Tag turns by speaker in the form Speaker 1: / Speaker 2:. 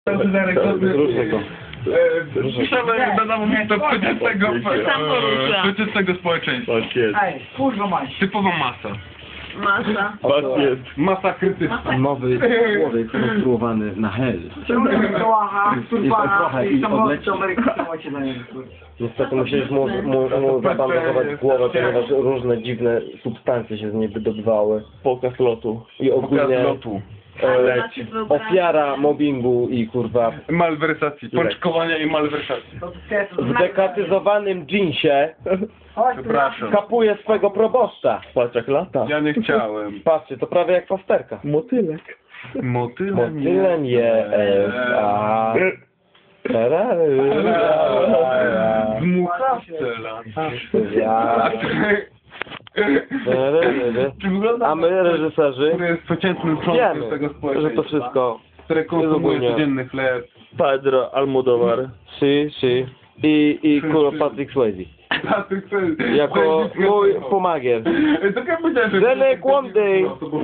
Speaker 1: Różne to.
Speaker 2: Piszemy do namównictwa przeciętnego społeczeństwa.
Speaker 1: Tak jest.
Speaker 3: Ej, kurwa mać.
Speaker 2: Typowa masa.
Speaker 4: Masa.
Speaker 1: Tak jest.
Speaker 2: Masa krytyczna.
Speaker 5: Nowy człowiek skonstruowany na hel.
Speaker 3: Ciągle kołacha, turbana
Speaker 5: trochę
Speaker 3: i
Speaker 5: i
Speaker 3: samolot
Speaker 5: odleci.
Speaker 3: Ameryki trzymajcie na niego.
Speaker 1: Niestety musieliś mu zabandażować głowę, ponieważ różne dziwne substancje się z niej wydobywały. Pokaz lotu. I ogólnie ofiara mobbingu i kurwa
Speaker 2: Malwersacji. Pączkowania i malwersacji.
Speaker 1: w dekatyzowanym dżinsie
Speaker 3: Chodź,
Speaker 2: Przepraszam.
Speaker 1: kapuje swego proboszcza. Patrz jak lata.
Speaker 2: Ja nie chciałem.
Speaker 1: Patrzcie, to prawie jak pasterka.
Speaker 5: Motylek.
Speaker 1: Motylem jest, a...
Speaker 2: Dmucha strzela.
Speaker 1: Czy wygląda a my, reżyserzy,
Speaker 2: który jest przeciętnym członkiem tego
Speaker 1: wiemy,
Speaker 2: społeczeństwa,
Speaker 1: że to wszystko
Speaker 2: które konsumuje
Speaker 1: ogólnie
Speaker 2: codzienny chleb.
Speaker 1: Pedro Almodovar i kurwa Patrick Swayze jako mój pomagier.
Speaker 2: Tak jak powiedziałem, że...
Speaker 1: Zenek one day